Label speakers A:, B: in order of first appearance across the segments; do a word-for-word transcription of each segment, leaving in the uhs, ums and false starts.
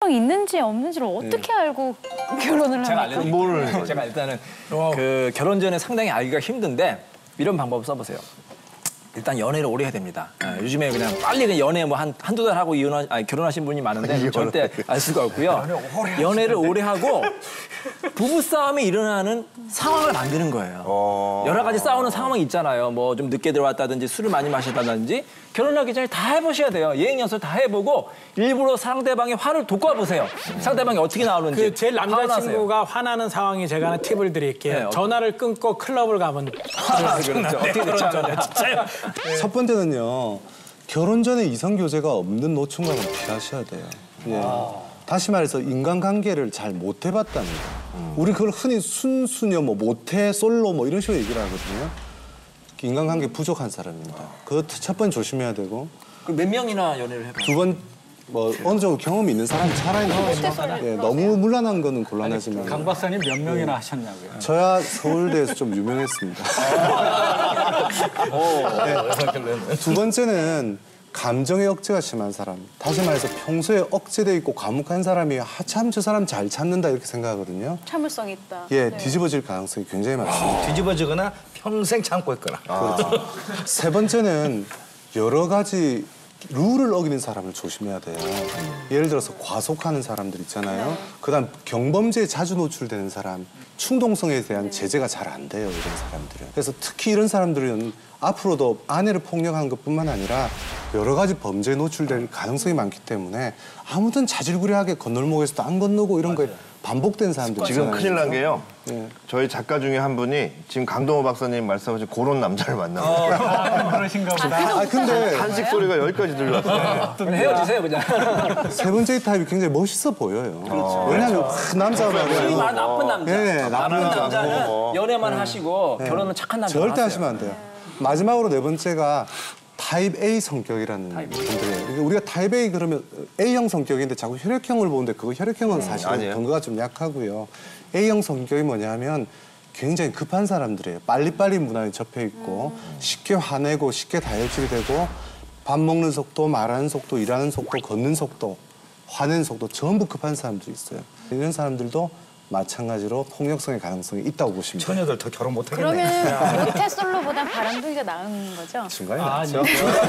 A: 있는지 없는지를 어떻게 네. 알고 결혼을
B: 제가
A: 합니까?
B: 알려드릴게요. 제가 일단은 그 결혼 전에 상당히 알기가 힘든데 이런 방법을 써보세요. 일단 연애를 오래 해야 됩니다. 아, 요즘에 그냥 빨리 그냥 연애 뭐 한 한두 달 하고 이혼하, 아니, 결혼하신 분이 많은데 절대 알 수가 없고요. 연애를 오래 하고 부부싸움이 일어나는 상황을 만드는 거예요. 어... 여러 가지 싸우는 상황이 있잖아요. 뭐 좀 늦게 들어왔다든지 술을 많이 마셨다든지 결혼하기 전에 다 해보셔야 돼요. 예행 연습 다 해보고 일부러 상대방의 화를 돋궈보세요. 상대방이 어떻게 나오는지.
C: 그 제 남자친구가 화나는 상황이 제가 하나 팁을 드릴게요. 네, 전화를 끊고 클럽을 가면
B: 아, 그렇죠. 어떻게 됐죠?
C: 진짜요?
D: 네. 첫 번째는요. 결혼 전에 이성 교제가 없는 노총각은 피하셔야 돼요. 예. 아. 다시 말해서 인간관계를 잘 못 해봤다는 거. 음. 우리 그걸 흔히 순수녀, 뭐 모태, 솔로 뭐 이런 식으로 얘기를 하거든요. 인간관계 부족한 사람입니다. 그거 첫 번 조심해야 되고.
B: 그 몇 명이나 연애를 해봐요?
D: 두 번, 뭐 어느 정도 경험이 있는 사람이 살아있는 거죠. 예, 너무 물란한 거는 곤란하지만.
E: 강 박사님 몇 명이나 예. 하셨냐고요?
D: 저야 서울대에서 좀 유명했습니다. 네. 두 번째는 감정의 억제가 심한 사람. 다시 말해서 평소에 억제돼 있고 과묵한 사람이 하참 저 사람 잘 참는다 이렇게 생각하거든요.
A: 참을성 있다.
D: 예,
A: 네.
D: 뒤집어질 가능성이 굉장히 많습니다.
F: 뒤집어지거나 평생 참고 있거나.
D: 그렇죠. 세 번째는 여러 가지 룰을 어기는 사람을 조심해야 돼요. 예를 들어서 과속하는 사람들 있잖아요. 네. 그다음 경범죄에 자주 노출되는 사람, 충동성에 대한 네. 제재가 잘 안 돼요, 이런 사람들은. 그래서 특히 이런 사람들은 앞으로도 아내를 폭력하는 것뿐만 아니라 여러 가지 범죄에 노출될 가능성이 많기 때문에 아무튼 자질구레하게 건널목에서도 안 건너고 이런 거에 반복된 사람들
G: 지금 큰일 난 게요. 네. 저희 작가 중에 한 분이 지금 강동호 박사님 말씀하신 그런 남자를 만나고
E: 어, 그러신가 보다.
D: 아, 근데
G: 한식 소리가 여기까지 들려왔어요.
B: 그럼 헤어지세요, 그냥.
D: 세 번째 타입이 굉장히 멋있어 보여요. 그렇죠. 왜냐하면 그 남자가
B: 소위 말 나쁜 남자.
D: 네, 나쁜,
B: 나쁜
D: 남자.
B: 남자는
G: 어.
B: 연애만 네. 하시고
D: 네.
B: 결혼은 착한 남자.
D: 절대 하시면 안 돼요. 마지막으로 네 번째가 타입 A 성격이라는 분들이에요. 그러니까 우리가 타입 A 그러면 A형 성격인데 자꾸 혈액형을 보는데 그거 혈액형은 사실
G: 아니에요.
D: 근거가 좀 약하고요. A형 성격이 뭐냐면 굉장히 급한 사람들이에요. 빨리빨리 문화에 접해 있고 음. 쉽게 화내고 쉽게 다혈질이 되고 밥 먹는 속도, 말하는 속도, 일하는 속도, 걷는 속도, 화내는 속도 전부 급한 사람들이 있어요. 이런 사람들도 마찬가지로 폭력성의 가능성이 있다고 보시면 돼요.
F: 처녀들 더 결혼 못 하겠네.
A: 그러면 모태솔로보다 바람둥이가 나은 거죠?
D: 중간에
E: 아,
D: 나죠.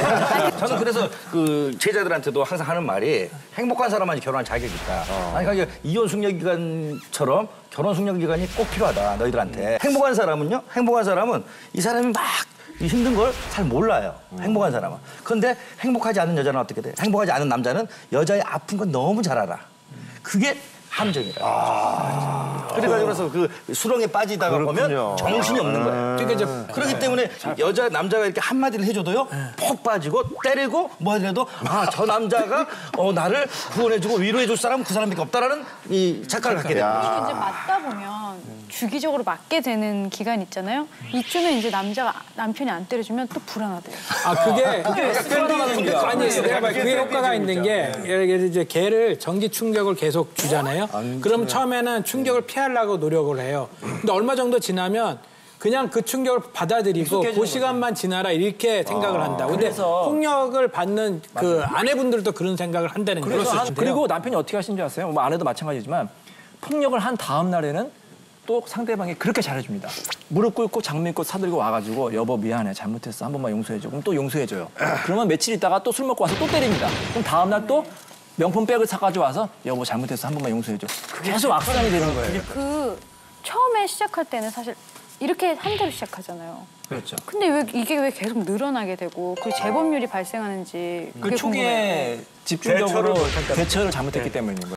F: 저는 그래서 그 제자들한테도 항상 하는 말이 행복한 사람만이 결혼할 자격이 있다. 어. 아니 그러니까 이혼 숙려 기간처럼 결혼 숙려 기간이 꼭 필요하다 너희들한테. 음. 행복한 사람은요. 행복한 사람은 이 사람이 막 힘든 걸 잘 몰라요. 음. 행복한 사람은. 그런데 행복하지 않은 여자는 어떻게 돼? 행복하지 않은 남자는 여자의 아픈 건 너무 잘 알아. 그게 함정이라. 아 그래가지고 그래서 그 수렁에 빠지다가 그렇군요. 보면 정신이 없는 거예요. 그러니까 이제 그렇기 때문에 여자 남자가 이렇게 한 마디를 해줘도요, 폭 빠지고 때리고 뭐 해도 아 저 남자가 어 나를 구원해주고 위로해줄 사람은 그 사람밖에 없다라는 이 착각을 갖게 됩니다.
A: 그리고 이제 맞다 보면 주기적으로 맞게 되는 기간 있잖아요. 이쯤에 이제 남자가 남편이 안 때려주면 또 불안하대요.
C: 아 그게 근데 아니 내가 봐 그게 효과가 있는 게 예를 들어 이제 걔를 정지 충격을 계속 주잖아요. 그럼 처음에는 충격을 피하려고 노력을 해요. 근데 얼마 정도 지나면 그냥 그 충격을 받아들이고 그 시간만 지나라 이렇게 생각을 한다. 근데 폭력을 받는 그 아내분들도 그런 생각을 한다는 거예요.
B: 그리고 남편이 어떻게 하시는 줄 아세요? 뭐 아내도 마찬가지지만 폭력을 한 다음 날에는 또 상대방이 그렇게 잘해줍니다. 무릎 꿇고 장미꽃 사들고 와가지고 여보 미안해 잘못했어 한 번만 용서해줘. 그럼 또 용서해줘요. 그러면 며칠 있다가 또 술 먹고 와서 또 때립니다. 그럼 다음 날 또 명품 백을 사가지고 와서 여보 잘못했어 한 번만 용서해줘. 계속 악순환이 되는 거예요.
A: 그 처음에 시작할 때는 사실 이렇게 한 대로 시작하잖아요.
B: 그렇죠.
A: 근데 왜 이게 왜 계속 늘어나게 되고 그 재범률이 발생하는지
B: 그 초기에 집중적으로 대처를, 대처를 잘못했기 때문인 거예요.